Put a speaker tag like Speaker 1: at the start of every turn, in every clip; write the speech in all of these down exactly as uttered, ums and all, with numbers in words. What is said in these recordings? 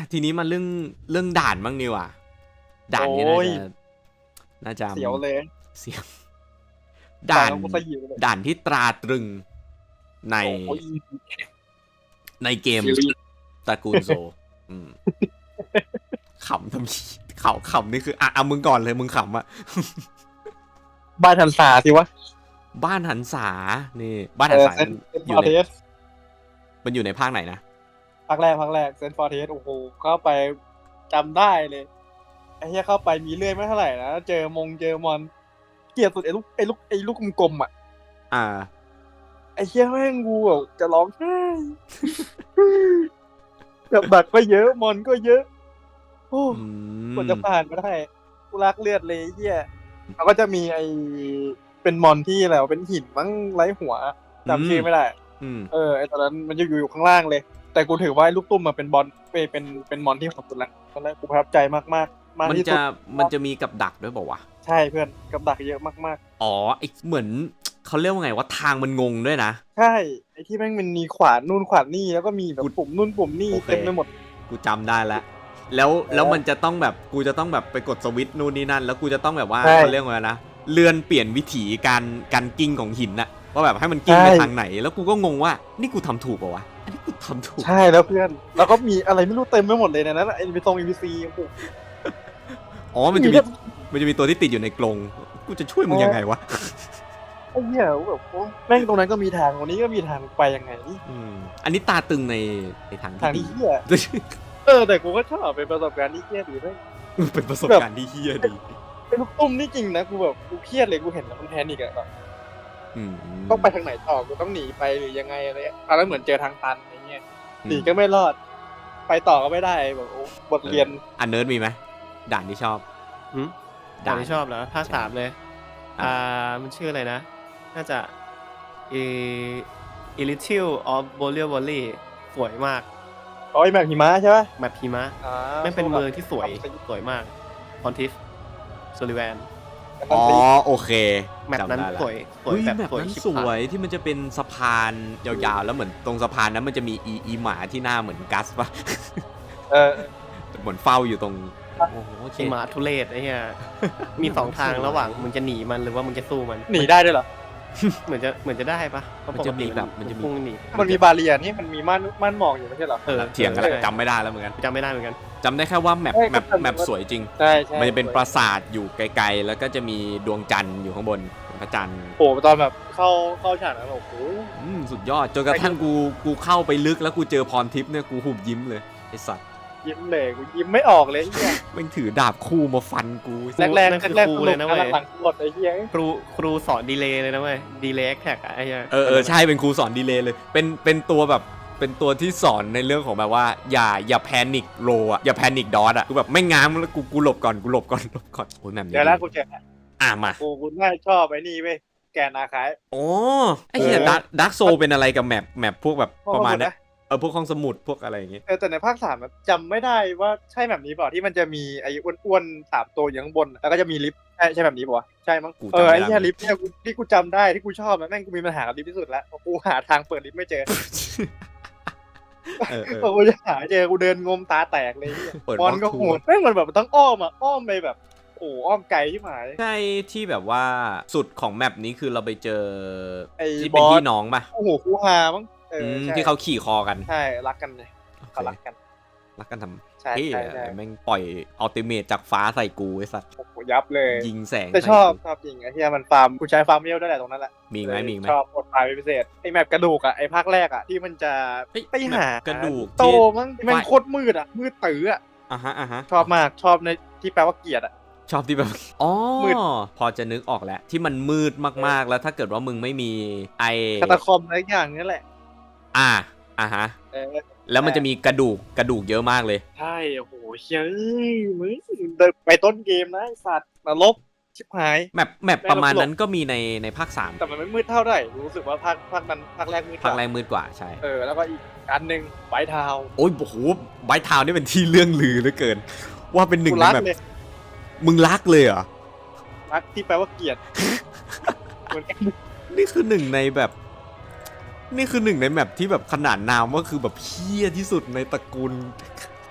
Speaker 1: ทีนี้มาเรื่องเรื่องด่านบ้างดีกว่าด่านนี้น่าจะน่าจะ
Speaker 2: เสียวเลย
Speaker 1: เสียวด่านด่านที่ตราตรึงในในเกมตระกูลโซขำทำเขาขำนี่คืออ่ะเอามึงก่อนเลยมึงขำอ่ะ
Speaker 2: บ้านหันษาสิวะ
Speaker 1: บ้านหันษานี่บ้านหันษาอยู่ในมันอยู่ในภาคไหนนะ
Speaker 2: ภาคแรกภาคแรกเซนฟอร์เทสโอ้โหเข้าไปจำได้เลยไอ้เหี้ยเข้าไปมีเลื่อยไม่เท่าไหร่นะเจอมงเจอมอนเกลียดสุดไอ้ลูกไอ้ลูกไอ้ลูกกลมๆอ่ะ
Speaker 1: อ่า
Speaker 2: ไอ้เหี้ยแม่งกูแบบจะร้องไห้แบบดักก็เยอะมอนก็เยอะโอ้กว่าจะผ่านมาได้กูรักเลือดเลยเหี้ยเขาก็จะมีไอ้เป็นมอนที่อะไรเป็นหินมั้งไร้หัวจำชื่อไม่ได้เออไอ้ตอนนั้นมันจะอยู่อยู่ข้างล่างเลยแต่กูถือว่าลูกตุ้มมาเป็นบอลเป็นเป็นเป็นมอนที่ของสุดละตอนแรกกูประทับใจมากมากมากที่สุด
Speaker 1: มันจะมีกับดักด้วยบอกว่า
Speaker 2: ใช่เพื่อนกับดักเยอะมาก
Speaker 1: ๆอ๋อไอเหมือนเขาเรียกว่าไงว่าทางมันงงด้วยนะ
Speaker 2: ใช่ไอที่แม่งมันมีขวานนู่นขวานนี่แล้วก็มีแบบปุ่มนู่นปุ่มนี่เต็มไปหมด
Speaker 1: กูจำได้แล้วแล้วแล้วมันจะต้องแบบกูจะต้องแบบไปกดสวิตช์นู่นนี่นั่นแล้วกูจะต้องแบบว่าเขาเรียกว่านะเลื่อนเปลี่ยนวิถีการการกิ้งของหินน่ะว่าแบบให้มันกิ้งไปทางไหนแล้วกูก็งงว่านี่กูทำถูกป่าวะอันนี้กูทำถูก
Speaker 2: ใช่แล้วเพื่อนแล้วก็มีอะไรไม่รู้เต็มไปหมดเลยในนั้นไอ้ไปตรงอีพีซี
Speaker 1: อ๋อมันจะมีมันจะมีตัวที่ติดอยู่ในกรงกูจะช่วยมึงยังไงวะ
Speaker 2: ไอ้เหี้ยแบบแม่งตรงนั้นก็มีทางตรงนี้ก็มีทางไปยังไง
Speaker 1: อืมอันนี้ตาตึงในในทาง
Speaker 2: ที่ดีเออแต่กูก็ชอบเป็นประสบการณ์ที่เหี้ยดีด้วย
Speaker 1: เป็นประสบการณ์ที่เหี้ยดี
Speaker 2: เป็นลูกตุ้มนี่จริงนะกูแบบกูเครียดเลยกูเห็นแล้วมันแพนิคอะแบบต้องไปทางไหนต่อกูต้องหนีไปหรือยังไงอะไรตอนนั้นเหมือนเจอทางตันอะไรเงี้ยหนีก็ไม่รอดไปต่อก็ไม่ได้แบบบทเรียน
Speaker 1: อันเนิร์ดมีไหมด่านที่ชอบ
Speaker 3: ด่านที่ชอบเหรอภาคสามเลยอ่ามันชื่ออะไรนะน่าจะเอเอลิทิลออฟโบเลียบอลลี่สวยมาก
Speaker 2: อ๋อแมปหิมะใช่ไหม
Speaker 3: แมปหิมะไม่เป็นเมืองที่สวยสวยมากพอนทิฟโซลิแวน
Speaker 1: อ๋อโอเค
Speaker 3: แมปนั้นสวย
Speaker 1: สวยแบบนั้นสวยที่มันจะเป็นสะพานยาวๆแล้วเหมือนตรงสะพานนั้นมันจะมีอีอีหมาที่หน้าเหมือนกัสป่ะ
Speaker 2: เออ
Speaker 1: เหมือนเฝ้าอยู่ตรง
Speaker 3: โอ้โหหมาทุเรศไอ้เหี้ยมีสองทางระหว่างมึงจะหนีมันหรือว่ามึงจะสู้มัน
Speaker 2: หนีได้ด้วยเหรอ
Speaker 3: เหมือนจะเหมือนจะได้ปะ
Speaker 1: มันจะมีแบบมันจะมี
Speaker 2: มันมีบาเรียนี่มันมีม่านม่านหมอกอยู่ไม่ใช่เหรอ
Speaker 1: เออเถียงกันจำไม่ได้แล้วเหมือนกัน
Speaker 3: จำไม่ได้เหมือนกัน
Speaker 1: จำได้แค่ว่าแมปแมปแมปสวยจริง
Speaker 2: ใช่ใช่
Speaker 1: มันจะเป็นปราสาทอยู่ไกลๆแล้วก็จะมีดวงจันทร์อยู่ข้างบนพระจันทร์
Speaker 2: โอ้ตอนแบบเข้าเข้าฉากนั้นโอ้โห
Speaker 1: สุดยอดจนกระทั่งกูกูเข้าไปลึกแล้วกูเจอพรทิพย์เนี่ยกูหุบยิ้มเลยไอ้สัตว์
Speaker 2: ยิ้มเลยกูยิ้มไม่ออกเลยเนี่ย
Speaker 1: มันถือดาบคู่มาฟันกู
Speaker 2: แรกแรกแรกเลยนะเว้ยหลังหมดไอ้เหี้ย
Speaker 3: ครูครูสอนดีเลย์เลยนะเว้ยดีเลย์แอคแท็กไอ้เหี้ย
Speaker 1: เออเออใช่เป็นครูสอนดีเลย์เลยเป็นเป็นตัวแบบเป็นตัวที่สอนในเรื่องของแบบว่าอย่าอย่าแพนิคโรอ่ะอย่าแพนิคดอทอ่ะกูแบบไม่ง้างแล้วกูกูหลบก่อนกูหลบก่อนหลบก่อนโอ้ยแบบนี้
Speaker 2: เดี๋ยวแล้วกูเจอ
Speaker 1: อ่ะมา
Speaker 2: กูกูน่าชอบไอ้นี่เว้ยแกนาคาย
Speaker 1: โอ้ไอ้เหี้ยดักดักโซเป็นอะไรกับแมปแมปพวกแบบประมาณนี้เออพวกห้องสมุดพวกอะไรอย่างเงี้ย
Speaker 2: เออแต่ในภาคสามจำไม่ได้ว่าใช่แบบนี้เปล่าที่มันจะมีไอ้อ้วนๆสามตัวอยู่ข้างบนแล้วก็จะมีลิฟต์ใช่ใช่แบบนี้ป่ะใช่มั้งเออไอ้ที่ลิฟต์เนี่ยที่กูจำได้ที่กูชอบแม่งกูมีปัญหากับลิฟต์ที่สุดแล้วกูหาทางเปิดลิฟต์ไม่เจอเออกูจะหาเจอกูเดินงมตาแตกเลยบอลก็โหดแม่งมันแบบต้องอ้อมอ่ะอ้อมไปแบบโอ้อ้อมไกลที่หมาย
Speaker 1: ใช่ที่แบบว่าสุดของแมปนี้คือเราไปเจอไอ้ที่เป็นพี่น้องป่ะ
Speaker 2: โอ้โหคูฮามั้ง
Speaker 1: ที่เขาขี่คอกัน
Speaker 2: ใช่รักกันเลยเขารักกัน
Speaker 1: รักกันทำใช่ใช่แม่งปล่อยอัลติเมทจากฟ้าใส่กูไอ้สัตว์
Speaker 2: ยับเลย
Speaker 1: ยิงแสง
Speaker 2: แต่ชอบชอบจริงไอ้ที่มันฟาร์มกูใช้ฟาร์มเมลได้แหละตรงนั้นแหละ
Speaker 1: มีไหมมีไหม
Speaker 2: ชอบกดไฟพิเศษไอ้แมปกระดูกอ่ะไอ้ภาคแรกอ่ะที่มันจะไปหาก
Speaker 1: ระดูก
Speaker 2: โตมั้งมันโคตรมืดอ่ะมืดตื้ออ่ะ
Speaker 1: อ่ะฮะอ่ะฮะ
Speaker 2: ชอบมากชอบในที่แปลว่าเกียรติอ่ะ
Speaker 1: ชอบที่แบบอ๋อพอจะนึกออกแล้วที่มันมืดมากๆแล้วถ้าเกิดว่ามึงไม่มีไอ
Speaker 2: คาตาคอมอะไรอย่างนี้แหละ
Speaker 1: อ่าอ่ะฮะแล้วมันจะมีกระดูกกระดูกเยอะมากเลย
Speaker 2: ใช่โอ้โหเฮ้ยมึงไปต้นเกมนะไอ้สัตว์นรกชิบหาย
Speaker 1: แมปแมปประมาณนั้นก็มีในในภาคสาม
Speaker 2: แต่มันไม่มืดเท่าไหร่รู้สึกว่าภาคภาคนั้นภาคแรกมืด
Speaker 1: ภาคแรกมืดกว่าใช่
Speaker 2: เออแล้วก็อีกอันนึงไบท์ทาวน์
Speaker 1: โอ้ยโอ้โหไบท์ทาวน์นี่เป็นที่เรื่องลือเหลือเกินว่าเป็นหนึ่งในแบบมึงรักเลยเหรอ
Speaker 2: รักที่แปลว่าเกลียดเหมือนกัน
Speaker 1: นี่คือหนึ่งในแบบนี่คือหนึ่งในแมปที่แบบขนาดนามว่าคือแบบเพี้ยที่สุดในตระกูล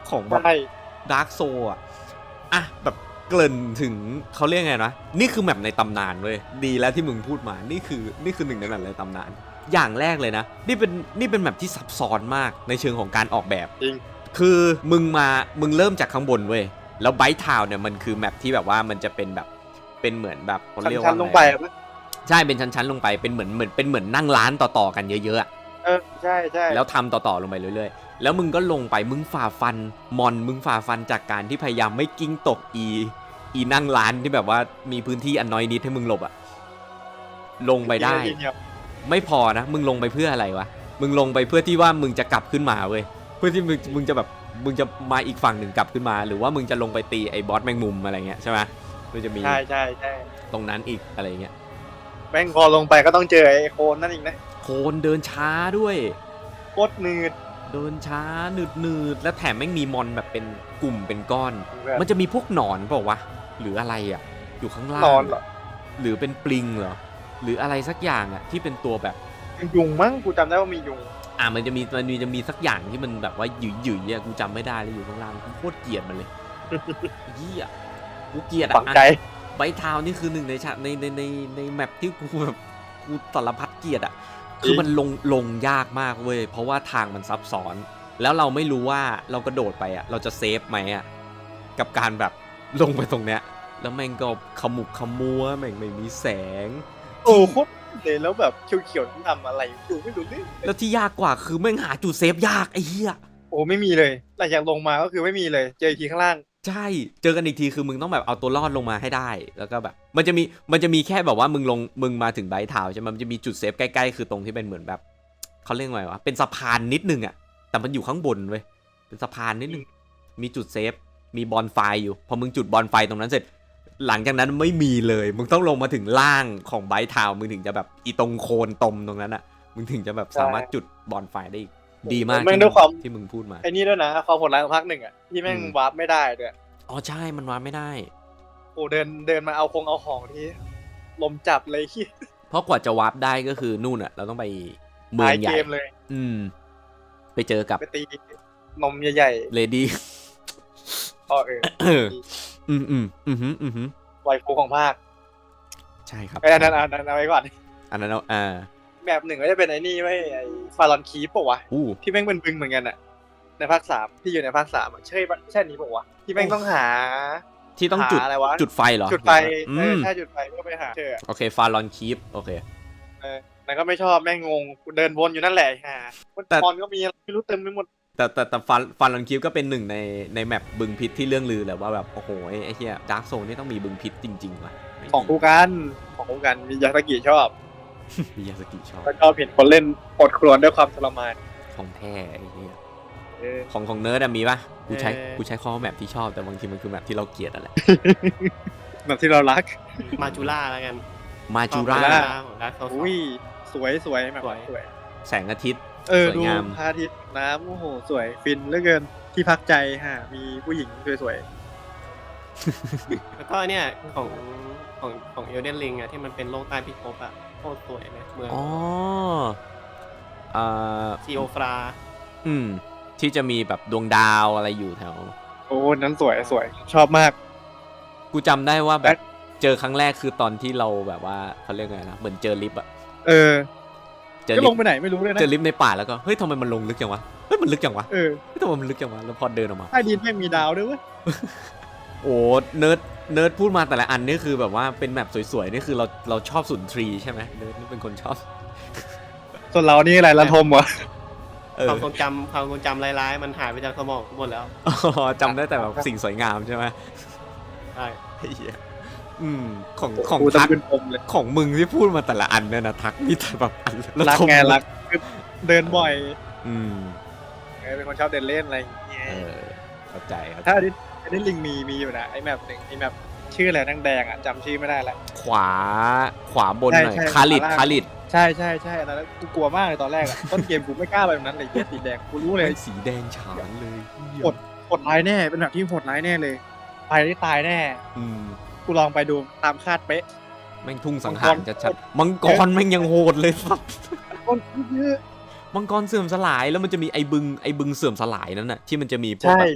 Speaker 1: ของแบบ
Speaker 2: ใช่
Speaker 1: ดาร์กโซอ่ะอ่ะแบบเกริ่นถึงเขาเรียกไงนะนี่คือแมปในตำนานเว้ยดีแล้วที่มึงพูดมานี่คือนี่คือหนึ่งในแมปในตำนานอย่างแรกเลยนะนี่เป็นนี่เป็นแมปที่ซับซ้อนมากในเชิงของการออกแบบ
Speaker 2: จริง
Speaker 1: คือมึงมามึงเริ่มจากข้างบนเว้ยแล้วไบท์ทาวน์เนี่ยมันคือแมปที่แบบว่ามันจะเป็นแบบเป็นเหมือนแบบเขาเรียกว่า
Speaker 2: ชั้นๆลงไป
Speaker 1: อะ
Speaker 2: อะ
Speaker 1: รใช่เป็นชั้นๆลงไปเป็นเหมือนเหมือนเป็นเหมือนนั่งร้านต่อๆกันเยอะๆอะ
Speaker 2: เออใช่ใช่
Speaker 1: แล้วทำต่อๆลงไปเรื่อยๆแล้วมึงก็ลงไปมึงฝ่าฟันมอนมึงฝ่าฟันจากการที่พยายามไม่กิ้งตกอีอีนั่งร้านที่แบบว่ามีพื้นที่อันน้อยนิดให้มึงหลบอะลงไปได้ ไม่พอนะมึงลงไปเพื่ออะไรวะมึงลงไปเพื่อที่ว่ามึงจะกลับขึ้นมาเว้ยเพื่อที่มึงมึงจะแบบมึงจะมาอีกฝั่งหนึ่งกลับขึ้นมาหรือว่ามึงจะลงไปตีไอ้บอสแมงมุมอะไรเงี้ยใช่ไหมมันจะมี
Speaker 2: ใช่ใช่ใช่
Speaker 1: ตรงนั้นอีกอะไรเงี้ย
Speaker 2: แม่งพอลงไปก็ต้องเจอไอ้โคนนั่นอีกนะ
Speaker 1: โคนเดินช้าด้วย
Speaker 2: โคตรหนืด
Speaker 1: เดินช้าหนืดหนืดและแถมแม่งมีมอนแบบเป็นกลุ่มเป็นก้อน
Speaker 2: แบบ
Speaker 1: มันจะมีพวกหนอนเปล่าวะหรืออะไรอ่ะอยู่ข้างล่าง
Speaker 2: นอนเหรอ
Speaker 1: หรือเป็นปลิงเหรอหรืออะไรสักอย่างอ่ะที่เป็นตัวแบบ
Speaker 2: ยุงมั้งกูจำได้ว่ามียุง
Speaker 1: อ่ะมันจะมีมันมีจะมีสักอย่างที่มันแบบว่าหยุ่ยหยุ่ยๆอ่ะกูจำไม่ได้เลยอยู่ข้างล่างกูโคตรเกลียดมันเลย เหี้ยกูเกลียด
Speaker 2: ฝั
Speaker 1: อ่ะ
Speaker 2: งใจ
Speaker 1: ไบท์ทาวน์นี่คือหนึ่งในฉากในในในในแมปที่กูแบบกูสารพัดเกลียดอ่ะคือมันลงลงยากมากเว้ยเพราะว่าทางมันซับซ้อน แล้วเราไม่รู้ว่าเรากระโดดไปอ่ะเราจะเซฟไหมอ่ะกับการแบบลงไปตรงเนี้ยแล้วแม่งก็ขมุกขมัวแม่งไม่มีแสง
Speaker 2: โอ้โคตรเลยแล้วแบบเขียวๆทำอะไรอยู่ไม่รู้เรื่อง
Speaker 1: แล้วที่ยากกว่าคือแม่งหาจุดเซฟยากไอ้เหี้ย
Speaker 2: โอ้ไม่มีเลยหลังจากลงมาก็คือไม่มีเลยเจออีกทีข้างล่าง
Speaker 1: ใช่เจอกันอีกทีคือมึงต้องแบบเอาตัวรอดลงมาให้ได้แล้วก็แบบมันจะมีมันจะมีแค่แบบว่ามึงลงมึงมาถึงไบท์ทาวน์ใช่ไหมมันจะมีจุดเซฟใกล้ๆคือตรงที่เป็นเหมือนแบบเขาเรียกว่าไงวะเป็นสะพานนิดนึงอ่ะแต่มันอยู่ข้างบนเว้ยเป็นสะพานนิดนึงมีจุดเซฟมีบอนไฟอยู่พอมึงจุดบอนไฟตรงนั้นเสร็จ หลังจากนั้นไม่มีเลยมึงต้องลงมาถึงล่างของไบท์ทาวน์มึงถึงจะแบบอีตรงโคนตมตรงนั้นอ่ะมึงถึงจะแบบสามารถจุดบอนไฟได้อีกดีมาก
Speaker 2: แม่ง
Speaker 1: ที่
Speaker 2: ด้วยความ
Speaker 1: ที่มึงพูดมา
Speaker 2: ไอ้นี่ด้วยนะความโหดร้ายของภาคหนึ่งอ่ะที่แม่ง
Speaker 1: อืม
Speaker 2: วาร์ปไม่ได้ด้วย
Speaker 1: อ๋อใช่มันวาดไม่ได้
Speaker 2: โอ้เดินเดินมาเอาคงเอาของที่ลมจับเลยขี้
Speaker 1: เพราะกว่าจะวาร์ปได้ก็คือนู่นอ่ะเราต้องไปเมือ
Speaker 2: ท้าง ย
Speaker 1: ให
Speaker 2: เก
Speaker 1: ญ่
Speaker 2: มเลย
Speaker 1: อืม ไปเจอกับ
Speaker 2: ไปตีนมใหญ่
Speaker 1: เลดี้
Speaker 2: ๆอ๋อเออ
Speaker 1: อืมอืมอืมอืมอืมอืม
Speaker 2: ไวฟูของภาค
Speaker 1: ใช่ครับ
Speaker 2: ไอ้อันนั้นอันนั้นเอาไว้ก่อน
Speaker 1: อันนั้นเอาอ่า
Speaker 2: แบบหนึ่งก็จะเป็นไอ้นี่ไว้ไอ้ฟารอนคีปปะวะ
Speaker 1: อู้
Speaker 2: ที่แม่งเป็นบึงเหมือนกันอะในภาคสามที่อยู่ในภาคสามอะใช่ปะใช่นี้ปะวะที่แม่งต้องหา
Speaker 1: ที่ต้องจุด
Speaker 2: หาอะไรวะ
Speaker 1: จุดไฟเหรอ
Speaker 2: จุดไฟ
Speaker 1: อื
Speaker 2: เออ
Speaker 1: ม
Speaker 2: ใช่จุดไฟก็ไปหาเจอ
Speaker 1: โอเคฟารอนคีปโอเค
Speaker 2: เออนั่นก็ไม่ชอบแม่งงงกูเดินวนอยู่นั่นแหละฮะ
Speaker 1: แต่
Speaker 2: ตอนก็มีอะไรไม่รู้เต็มไปหมด
Speaker 1: แต่แต่แต่ฟารฟารอนคีปก็เป็นหนึ่งในในแมปบึงพิษที่เรื่องลือแหละว่าแบบโอ้โหไอ้ไอ้เหี้ยดาร์กโซนนี่ต้องมีบึงพิษจริงๆว่ะไม่มี
Speaker 2: ของกูกันของกูกันมียาสกิชอบ
Speaker 1: มียาสกิชอบ
Speaker 2: แล้วก็เห็นคนเล่นอดครวญด้วยความทรมาน
Speaker 1: ของแท้ไอ้เหี้ย
Speaker 2: เออ
Speaker 1: ของของเนิร์ดมีป่ะกูใช้
Speaker 3: เอ่อ
Speaker 1: กูใช้ข้อแมปที่ชอบแต่บางทีมันคือแมปที่เราเกลียดอะไร
Speaker 2: แบบที่เรารัก
Speaker 3: มาจูล่าแล้วกัน
Speaker 1: มาจูรา
Speaker 2: มาจูรา
Speaker 3: ของดาร์คโซล
Speaker 2: อุ้ยสวยสวยแบบ
Speaker 3: สวย
Speaker 2: สวย
Speaker 1: แสงอาทิตย์
Speaker 2: เออ
Speaker 1: สวย
Speaker 2: ดู
Speaker 1: งาม
Speaker 2: พระอาทิตย์น้ำโอ้โหสวยฟินเหลือเกินที่พักใจฮะมีผู้หญิงสวย
Speaker 3: แล้วก็เนี่ยของของของเอลเดนลิงอะที่มันเป็นโลกใต้พิภพอะโคตรสวยเลยเมือง
Speaker 1: อ๋ออ่า
Speaker 3: ซีโอฟรา
Speaker 1: อืม ที่จะมีแบบดวงดาวอะไรอยู่แถว
Speaker 2: ๆโอ้นั้นสวยสวยชอบมาก
Speaker 1: กูจำได้ว่าแบ
Speaker 2: แล้
Speaker 1: บ
Speaker 2: ว
Speaker 1: เจอครั้งแรกคือตอนที่เราแบบว่าเขาเรียกไงนะ เหมือนเจอลิฟต์อะ
Speaker 2: เออ
Speaker 1: เจอ
Speaker 2: ก็
Speaker 1: ลิ
Speaker 2: ล
Speaker 1: ฟ
Speaker 2: ง
Speaker 1: ต์
Speaker 2: ไปไหนไม่รู้เลยนะ
Speaker 1: เจอลิฟต์ในป่าแล้วก็เฮ้ยทำไมมันลงลึกจังวะเฮ้ยมันลึกจังวะ
Speaker 2: เออ
Speaker 1: เฮ้ยทำไมมันลึกจังวะแล้วพอเดินออกมา
Speaker 2: ใต้ดินไม่งมีดาวด้วยเว้ย
Speaker 1: โอ้เนิร์ดเนิร์ดพูดมาแต่ละอันนี่คือแบบว่าเป็นแมปสวยๆนี่คือเราเราชอบสุนทรีใช่ไหมเนิร์ดนี่เป็นคนชอบ
Speaker 2: ส่วนเรานี่อะไรละทมวะ
Speaker 1: เออ
Speaker 3: ความทรงจำความทรงจำร้ายๆ มันหายไปจากสมองหมดแล้ว
Speaker 1: อ๋อจำได้แต่แบบสิ่งสวยงามใช่ไหม
Speaker 3: ใช่
Speaker 1: ไอ้เหี้ยอืมของของ
Speaker 2: กู
Speaker 1: ทัก
Speaker 2: ตะขึ้นปมเลย
Speaker 1: ของมึงที่พูดมาแต่ละอันเนี่ยนะทักมีแต่แบบอันละ
Speaker 2: รัก
Speaker 1: ทม
Speaker 2: ไงรักคือเดินบ่อย
Speaker 1: อืม
Speaker 2: เออเป็นคนชอบเดินเล่นอะไรอย่างเงี้ย
Speaker 1: เออเข้าใจครับ
Speaker 2: ถ้าอันนี้อันนี้ลิงมีมีอยู่นะไอ้แมปหนึ่งไอ้แมปชื่ออะไรแดงๆอ่ะจำชื่อไม่ได้ละ
Speaker 1: ขวาขวาบนหน่อย
Speaker 2: ใช่ใช่
Speaker 1: คาริด
Speaker 2: ขวาล่าง
Speaker 1: คาริด
Speaker 2: ใช่ใช่ใช่อันนั้นกูกลัวมากเลยตอนแรกอ่ะ ต้นเกมกูไม่กล้าไปตรงนั้นเลยเหี้ยสีแดงกูรู้เลย
Speaker 1: สีแดงฉานเลย
Speaker 2: กด โหดร้ายแน่เป็นแบบที่โหดร้ายแน่เลยไปได้ตายแน่
Speaker 1: อืม
Speaker 2: กูลองไปดูตามคาดเป๊ะ
Speaker 1: แม่งทุ่งสังหารชัดๆมังกรแม่งยังโหดเลยสัส
Speaker 2: คนเยอะ
Speaker 1: มังกรเสื่อมสลายแล้วมันจะมีไอ้บึงไอ้บึงเสื่อมสลายนั่นน่ะที่มันจะมีพวก
Speaker 2: ใช่
Speaker 1: แบบ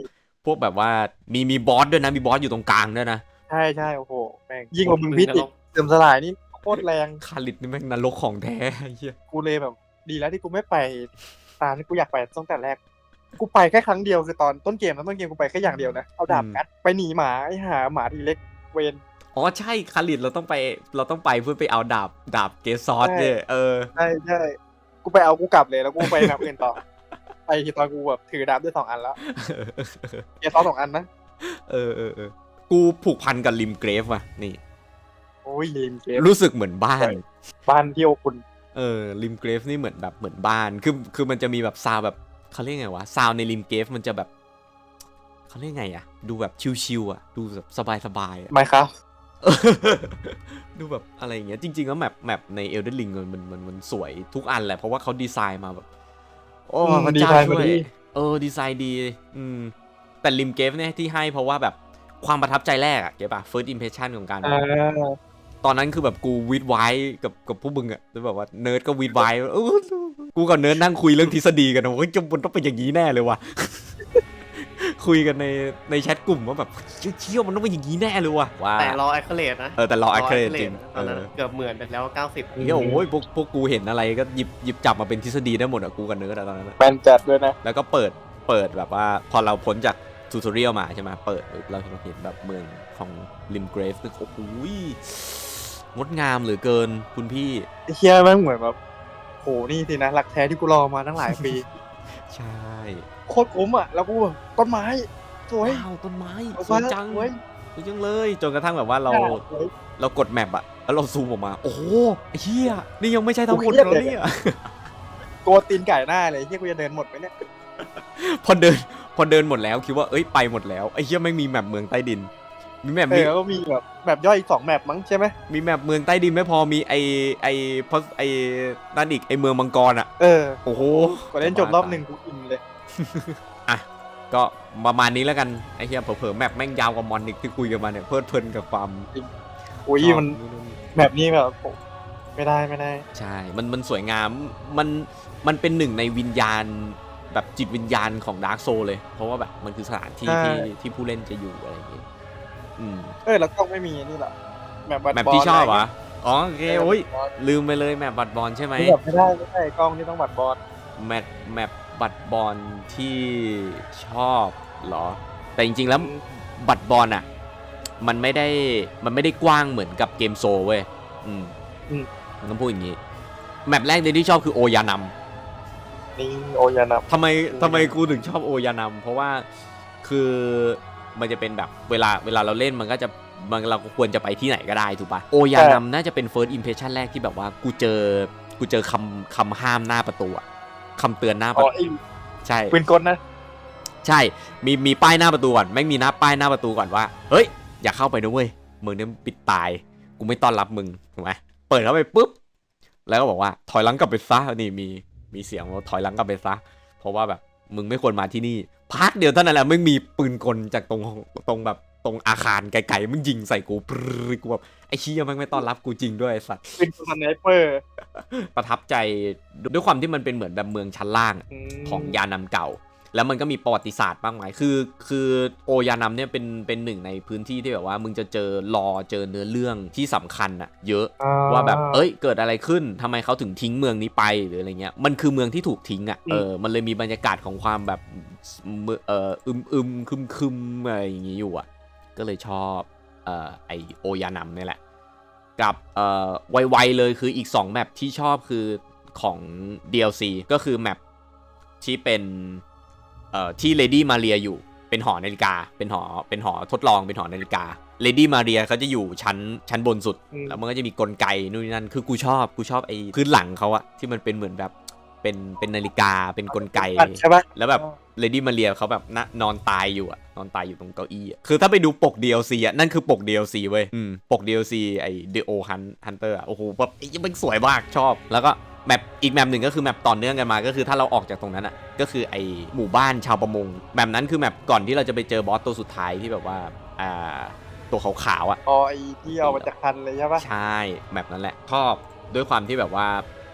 Speaker 1: พวกแบบว่ามีมีบอสด้วยนะมีบอสอยู่ตรงกลางด้วยนะ
Speaker 2: ใช่ใช่โอ้โหแม่งยิ่งกว่ามึงพิษอีกเสื่อมสลายนี่โคตรแรง
Speaker 1: คาริดนี่แม่งนรกของแท้เหี้ย
Speaker 2: กูเลยแบบดีแล้วที่กูไม่ไปตามที่กูอยากไปตั้งแต่แรกกูไปแค่ครั้งเดียวคือตอนต้นเกมนะต้นเกมกูไปแค่อย่างเดียวนะเอาดาบกัดไปหนีหมาไอ้หาหมาทีเล็กเวน
Speaker 1: อ๋อใช่คาริดเราต้องไปเราต้องไปเพื่อไปเอาดาบดาบเกซอสเนี่ยเออ
Speaker 2: ใช่ใช่กูไปเอากูกลับเลยแล้วกูไปแบบอื่นต่อไปที่ตอนกูแบบถือดาบได้สองอันแล้วเกซอสสองอันนะ
Speaker 1: เออเออเออกูผูกพันกับริมเกรฟว่ะนี่
Speaker 2: โอ้ยริมเกรฟ
Speaker 1: รู้สึกเหมือนบ้าน
Speaker 2: บ้านที่อบอุ่น
Speaker 1: เออริมเกรฟนี่เหมือนแบบเหมือนบ้านคือคือมันจะมีแบบซาวแบบเขาเรียกไงวะซาวในริมเกรฟมันจะแบบเขาเรียกไงอะดูแบบชิลๆอะดูแบบสบายๆ
Speaker 2: ไม่ครับ
Speaker 1: ดูแบบอะไรอย่างเงี้ยจริงๆแล้วแมปแมปใน Elden Ring มันมันมันสวยทุกอันแหละเพราะว่าเขาดีไซน์มาแบบโอ้พระเจ้าช่วยเออดีไซน์ดีอืมแต่ริมเกฟเนี่ยที่ให้เพราะว่าแบบความประทับใจแรกอะเก็บป่ะ first impression ของการตอนนั้นคือแบบกูวีดไว้กับกับพวกมึงอะแล้วแบบว่าเนิร์ดก็วีดไว้กูกับเนิร์ดนั่งคุยเรื่องทฤษฎีกันนะว่าจะมันต้องเป็นอย่างนี้แน่เลยว่ะคุยกันในในแชทกลุ่มว่าแบบเชี่ยวมันต้องเป็นอย่างนี้แน่เลยว่ะว่า
Speaker 3: แต่รอแอคเคเลตนะ
Speaker 1: เออแต่รอแอคเคเลตจริง
Speaker 3: ตอนนั้นเกือบเหมือนไปแล้วเก้าสิบ
Speaker 1: เฮ้ยโอ้ยพวกพวกกูเห็นอะไรก็หยิบหยิบจับมาเป็นทฤษฎีได้หมดอะกูกับเนิร์ดตอนนั้น
Speaker 2: แมนจัดด้วยนะ
Speaker 1: แล้วก็เปิดเปิดแบบว่าพอเราพ้นจากทูทอเรียลมาใช่ไหมเปิดเราเห็นแบบเมืองของริมเกรฟซึ่งโอ้โหงดงามเหลือเกินคุณพี่
Speaker 2: ไอ้เชี่ยแม่งเหมือนแบบโหนี่สินะหลักแท้ที่กูรอมาตั้งหลายปี
Speaker 1: ใช่
Speaker 2: โคตรคุ้มอ่ะแล้วกูต้นไม้สวย
Speaker 1: ว้าวต้นไม้สวยจังสวยจังเลยจนกระทั่งแบบว่าเราเรากดแมปอะแล้วเราซูมออกมาโอ้โหเฮียนี่ยังไม่ใช่ทั้งหมดแล้วเนี่ย
Speaker 2: โกตีนไก่หน้าเลยเฮียกูจะเดินหมดไหมเนี่ย
Speaker 1: พอเดินพอเดินหมดแล้วคิดว่าเอ้ยไปหมดแล้วไอ้เฮียไม่มีแมปเมืองใต้ดินมีแมป
Speaker 2: มีก็มีแบบแมปย่อยอีกสองแมปมั้งใช่ไหม
Speaker 1: มีแมปเมืองใต้ดินไม่พอมีไอไอเพราะไอนั่นอีกไอเมืองมังกรอะ
Speaker 2: เออ
Speaker 1: โอ้โห
Speaker 2: ก็เล่นจบรอบหนึ่งกูอินเลย
Speaker 1: อ่ะก็ประมาณนี้แล้วกันไอ้เหี้ยเผลอๆแมปแม่งยาวกว่ามอนอีกที่คุยกันมาเนี่ยเพลิดเพลินกับความ
Speaker 2: โอ้ยมันแมปนี้แบบไม่ได้ไม่ได้
Speaker 1: ใช่มันมันสวยงามมันมันเป็นหนึ่งในวิญญาณแบบจิตวิญญาณของดาร์กโซเลยเพราะว่าแบบมันคือสถานที่ที่ที่ผู้เล่นจะอยู่อะไรอย่างเงี้ยอืม
Speaker 2: เออแล้วกล้องไม่มีนี่หรอ
Speaker 1: แมปแมปที่ชอบเหรออ๋อโอเคโอ้ยลืมไปเลยแมปบัตรบอลใช่ไหม
Speaker 2: ไม่ได้ไม่ได้กล้องนี่ต้องบัตรบอล
Speaker 1: แมปแมปบัตรบอลที่ชอบเหรอแต่จริงๆแล้วบัตรบอลอ่ะมันไม่ได้มันไม่ได้กว้างเหมือนกับเกมโซเว้ยอืมต้องพูดอย่างนี้แมปแรกเลยที่ชอบคือโอยานัม
Speaker 2: นี่โอยานัม
Speaker 1: ทำไมทำไมกูถึงชอบโอยานัมเพราะว่าคือมันจะเป็นแบบเวลาเวลาเราเล่นมันก็จะมันเราควรจะไปที่ไหนก็ได้ถูกปะโอยานัมน่าจะเป็น first impression แรกที่แบบว่ากูเจอกูเจอคำคำห้ามหน้าประตูอะคำเตือนหน้าประตูใช่
Speaker 2: ปืนกลนะ
Speaker 1: ใช่มีมีป้ายหน้าประตูก่อนไม่มีหน้าป้ายหน้าประตูก่อนว่าเฮ้ยอย่าเข้าไปนะเว้ยมึงเนี่ยปิดตายกูไม่ต้อนรับมึงถูกไหมเปิดเข้าไปปุ๊บแล้วก็บอกว่าถอยหลังกลับไปซะนี่มีมีเสียงว่าถอยหลังกลับไปซะเพราะว่าแบบมึงไม่ควรมาที่นี่พักเดียวเท่านั้นแหละไม่มีปืนกลจากตรงตรงแบบตรงอาคารไกลๆมึงยิงใส่กูปรึ๊กูแบบไอ้เชี่ยมันไม่ต้อนรับกูจริงด้วยไอ้สัตว์
Speaker 2: เป็นสไนเปอร์
Speaker 1: ประทับใจด้วยความที่มันเป็นเหมือนแบบเมืองชั้นล่างของยานำเก่าแล้วมันก็มีประวัติศาสตร์มากมายคือคือโอยานัมเนี่ยเป็นเป็นหนึ่งในพื้นที่ที่แบบว่ามึงจะเจอรอเจอเนื้อเรื่องที่สำคัญอะเยอะว่าแบบเอ้ยเกิดอะไรขึ้นทำไมเขาถึงทิ้งเมืองนี้ไปหรืออะไรเงี้ยมันคือเมืองที่ถูกทิ้งอะเออมันเลยมีบรรยากาศของความแบบเอออึมอึมคึมคึมอะไรอย่างงี้อยู่อะก็เลยชอบเอ่อไอโอยานัมนี่แหละกับเอ่อไวๆเลยคืออีกสองแมปที่ชอบคือของ ดี แอล ซี ก็คือแมปที่เป็นเอ่อที่เลดี้มาเรียอยู่เป็นหอนาฬิกาเป็นหอเป็นหอทดลองเป็นหอนาฬิกาเลดี้มาเรียเขาจะอยู่ชั้นชั้นบนสุดแล้วมันก็จะมีกลไกนู่นนี่นั่นคือกูชอบกูชอบไอ้พื้นหลังเขาอะที่มันเป็นเหมือนแบบเป็นเป็นนาฬิกาเป็นกลไก
Speaker 2: ใช่ปะ
Speaker 1: แล้วแบบเลดี้มาเรียเขาแบบนอนตายอยู่อะนอนตายอยู่ตรงเก้าอี้อะคือถ้าไปดูปก ดี แอล ซี อะนั่นคือปก ดี แอล ซี เว้ยอืมปก ดี แอล ซี ไอ้ The O Hunter อะโอ้โหแบบมันสวยมากชอบแล้วก็แมปอีกแมปหนึ่งก็คือแมปต่อเนื่องกันมาก็คือถ้าเราออกจากตรงนั้นอ่ะก็คือไอหมู่บ้านชาวประมงแมปนั้นคือแมปก่อนที่เราจะไปเจอบอสตัวสุดท้ายที่แบบว่าอ่าตัวขาวๆอ่ะ
Speaker 2: อ๋อไอที่เอามาจากคันเลยใช่ปะ
Speaker 1: ใช่แมปนั้นแหละชอบด้วยความที่แบบว่า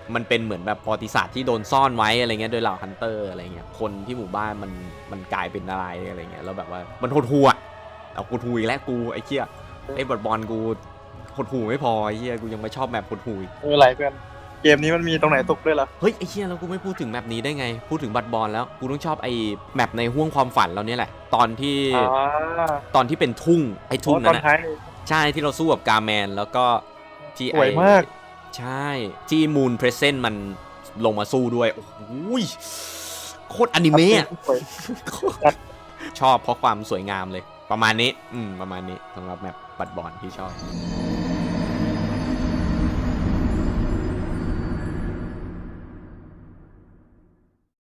Speaker 1: มันเป็นเหมือนแบบประวัติศาสตร์ที่โดนซ่อนไว้อะไรเงี้ยโดยเหล่าฮันเตอร์อะไรเงี้ยคนที่หมู่บ้านมันมันกลายเป็นอะไรอะไรเงี้ยแล้วแบบว่ามันโหดหูอ่ะเอากูทูอีกแล้วกูไอ้เหี้ยไอ้บอลบอลกูโหดหูไม่พอไอ้เหี้ยกูยังไม่ชอบแมปโหดหูอีก
Speaker 2: เออไรเพื่อนเกมนี้มันมีตรงไหนตกด้วยล่ะ
Speaker 1: เฮ้ยไอ้เหี้ยแล้วกูไม่พูดถึงแมปนี้ได้ไงพูดถึงบัตรบอลแล้วกูต้องชอบไอ้แมปในห้วงความฝันเราเนี่ยแหละตอนที่
Speaker 2: อ๋อ
Speaker 1: ตอนที่เป็นทุ่งไอ้ทุ่ง
Speaker 2: ตอ
Speaker 1: นั้น
Speaker 2: น
Speaker 1: นะ
Speaker 2: ท้าย
Speaker 1: ใช่ที่เราสู้กับกาแมนแล้วก็ที่
Speaker 2: สวยมาก
Speaker 1: ใช่ที่มูนเพรสเซนต์มันลงมาสู้ด้วยโอ้โหโคตรอนิเมะอะ
Speaker 2: สวย
Speaker 1: ชอบเพราะความสวยงามเลยประมาณนี้อืมประมาณนี้สำหรับแมปบัตรบอลที่ชอบ